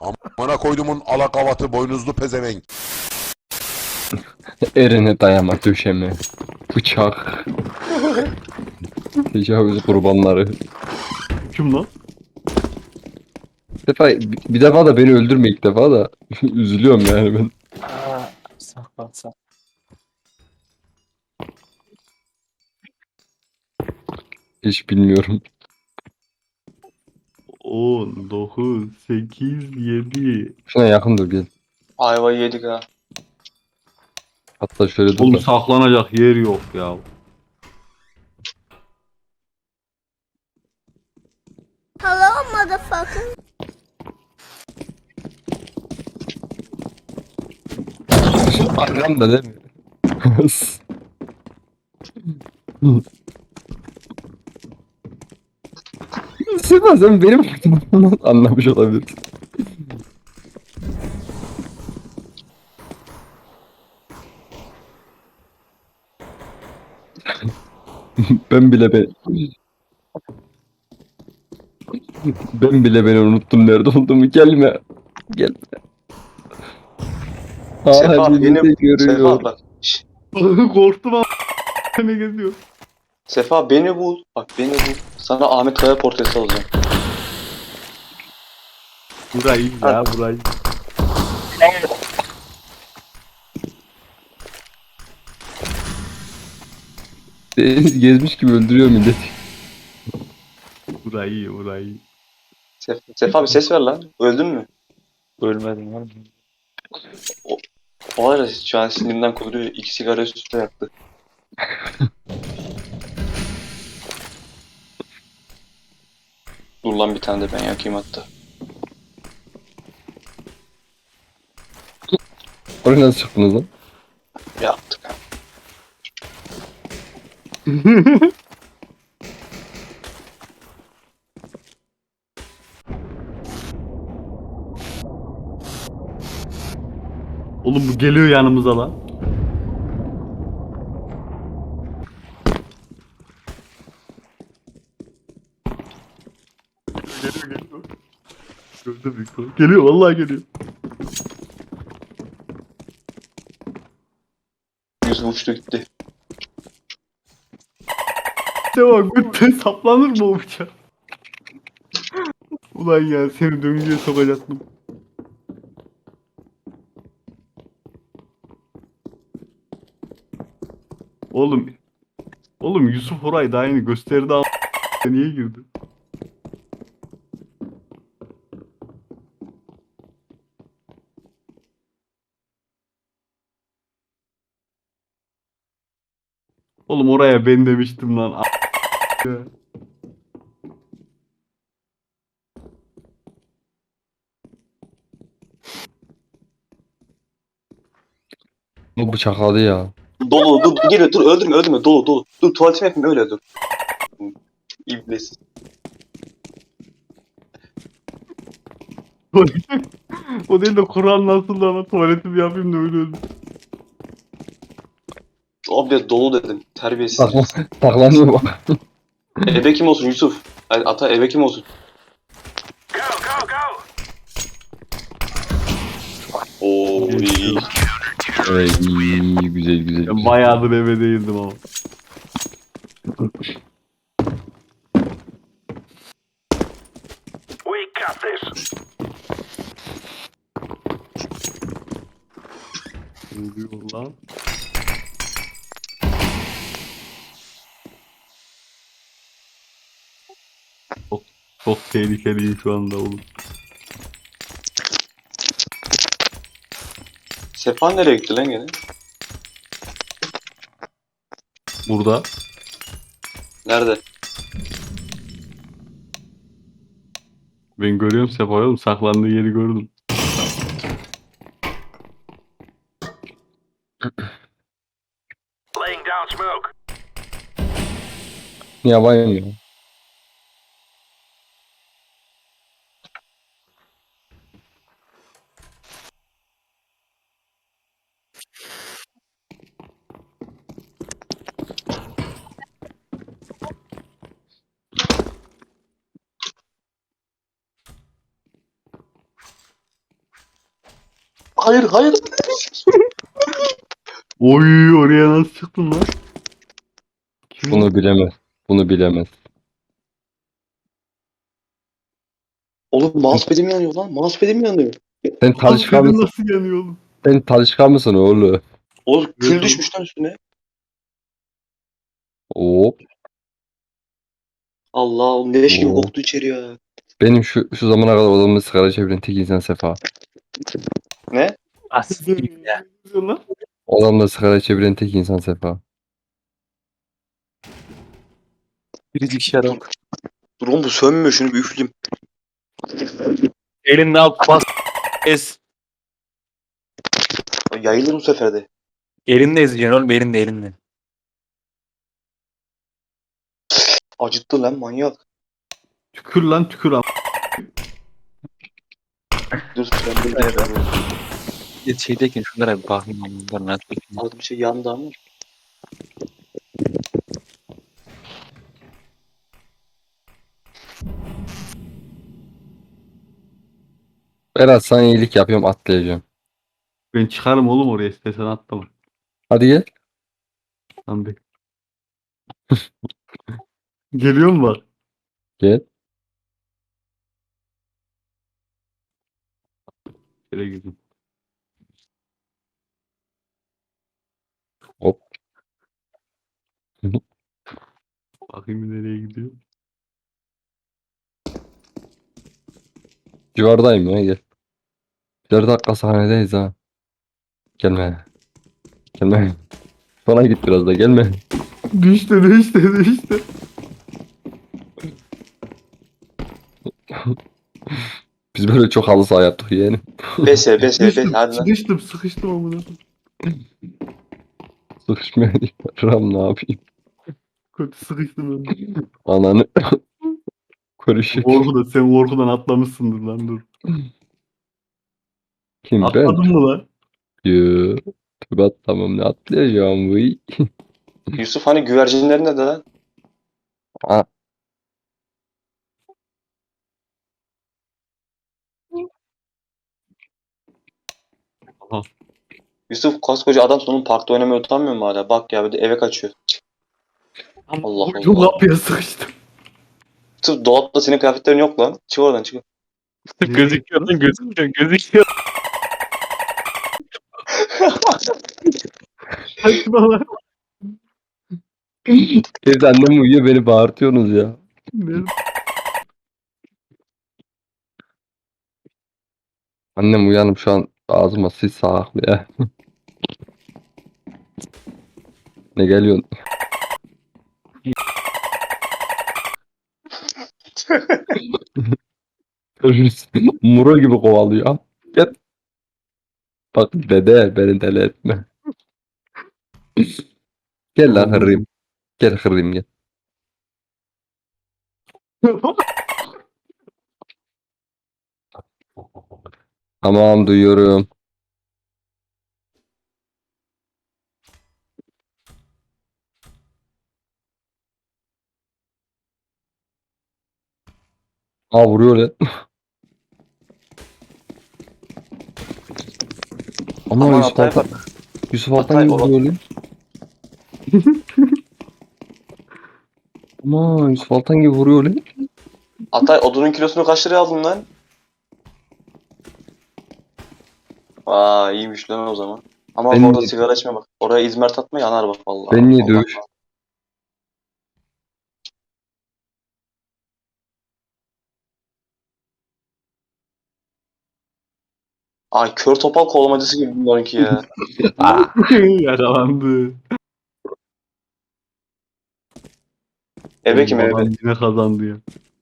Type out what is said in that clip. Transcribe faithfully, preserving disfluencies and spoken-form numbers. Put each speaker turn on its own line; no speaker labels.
Amına koydumun alakavatı boynuzlu pezevenk.
Erine dayama döşeme. Bıçak. Tecavüz kurbanları.
Kim lan?
Bir defa, bir defa da beni öldürme ilk defa da. Üzülüyorum yani ben.
Aa, saklan saklan.
Hiç bilmiyorum.
on, dokuz, sekiz, yedi.
Şuna yakın dur gel.
Ayvayı yedik ha.
Hatta şöyle dur
Oğlum
da.
saklanacak yer yok ya.
Hello, motherfucker.
Arkamda değil mi? Sıma sen benim adımı anlamış olabilirsin. Ben bile ben ben bile beni unuttum nerede olduğumu gelme. Gelme.
Sefa
Halimi
beni...
de görüyor.
Sefa bak. Şş,
Korktum ama ne geziyor?
Sefa beni bul. Bak beni bul. Sana Ahmet Kaya portresi alacağım.
Burayı ya burayı.
Deniz gezmiş gibi öldürüyor millet.
Burayı burayı.
Sef Sefa bir ses ver lan. Öldün mü? Ölmedim lan. O, o ara şu an sinirimden kuduruyor. İki sigara üst üste yaktı. Dur lan bir tane de ben yakayım hatta.
Oraya nasıl çıktınız lan?
Yaktık.
Oğlum bu geliyor yanımıza lan. Geliyor geliyor. Gördüm bir kol. Geliyor vallahi geliyor.
Yüzü uçtu gitti.
Devam götten saplanır mı o bıçak? Ulan ya seni döngüye sokacaktım. Oğlum. Oğlum Yusuf orayı daha yeni gösterdi ama niye girdi? Oğlum oraya ben demiştim lan. A- ya.
Bu bıçakladı ya.
Dolu dur dur geliyor dur öldürme öldürme dolu dolu. Dur tuvaletimi yapayım öyle dur. İblis.
O değil de Kur'an nasıl ama tuvaletimi yapayım da öyle öldüm.
Abi dolu dedim. Terbiyesiz.
Saklan, saklanıyor bak.
Ebe kim olsun Yusuf? Hadi ata ebe kim olsun? Oo iyi.
Evet iyi, iyi, güzel güzel.
Ben
güzel.
bayağıdır eve değildim ama. Ne diyor lan? Çok, çok tehlikeliyim şu anda oğlum.
Sefa nereye gitti lan gene?
Burada.
Nerede?
Ben görüyorum Sefa'yı oğlum. Saklandığı yeri gördüm.
Yaban ya.
Hayır hayır.
Oy oraya nasıl çıktın lan? Kim o?
Bunu bilemez. Bunu bilemez.
Oğlum mousepad'im yanıyor lan. Mousepad'im yanıyor.
Sen Talişka
Benim
mısın?
nasıl yanıyor oğlum?
Sen Talişka mısın oğlum?
Oğlum kül
oğlum.
düşmüş lan üstüne.
Hop.
Allah oğlum leş gibi
Oo.
koktu içeri ya.
Benim şu şu zamana kadar odamda sigara çeviren tek insan Sefa.
Ne?
Asiktir ya. Lan.
Odamda sigara çeviren tek insan Sefa.
Biricik şarap.
Dur oğlum bu sönmüyor şunu bir üfleyeyim.
Elinde al bas. Ez.
Yayılır bu sefer de.
Elinde ezeceksin oğlum elinde elinde.
Acıttı lan manyak.
Tükür lan tükür am.
Dur ben bir
Evet.
evet.
Ya şeydeyken şunlara bir bakayım. Bunlar nasıl bakayım.
Orada bir şey yandı ama.
Berat sana iyilik yapıyorum atlayacağım.
Ben çıkarım oğlum oraya istesen atlama.
Hadi gel.
Lan be. Geliyor mu bak?
Gel.
Şöyle gideyim.
Hop.
Bakayım nereye gidiyor.
Civardayım ya gel. Bir dakika sahnedeyiz ha. Gelme. Gelme. Bana git biraz da gelme.
Düştü düştü düştü.
Biz böyle çok halı saha yaptık yani.
Bese bese bese hadi lan.
Sıkıştım sıkıştım amına.
Sıkışmaya Ram ne yapayım?
Kötü sıkıştım ben.
Ananı. Konuşuyor.
Korkudan sen korkudan atlamışsındır lan dur.
Kim ben?
Atladın mı lan?
Yoo. Tübe atlamam ne atlayacağım bu.
Yusuf hani güvercinlerin nerede lan?
Aa,
Yusuf koskoca adam sonun parkta oynamaya utanmıyor mu hala? Bak ya bir de eve kaçıyor. Allah
Ucum
Allah.
kapıya sıkıştım.
Yusuf dolapta senin kıyafetlerin yok lan. Çık oradan çık.
Gözüküyor lan gözüküyor gözüküyor.
Kaçma lan.
evde annem uyuyor beni bağırtıyorsunuz ya.
Nerede?
Annem uyanıp şu an ağzıma sis sağaklıyor ya. Ne geliyorsun? Muro gibi kovalıyor. Gel. Bak dede beni deli etme. Gel lan hırrım. Gel hırrım gel. Tamam duyuyorum. Aa vuruyor lan. Ama
Aman
Yusuf
Altay
Altan,
bak.
Yusuf Altan
Altay
gibi
baba.
vuruyor lan. Ama Yusuf Altan gibi vuruyor lan.
Atay odunun kilosunu kaç liraya aldın lan? Aa iyiymiş lan o zaman. Ama
Ben
orada
de-
sigara içme bak. Oraya izmarit atma yanar bak vallahi.
Ben niye
Allah
dövüş?
Allah. Ay kör topal kovalamacısı gibi bunlarınki ya.
Yakalandı.
Ebe kim
Adam
ebe?
yine kazandı ya.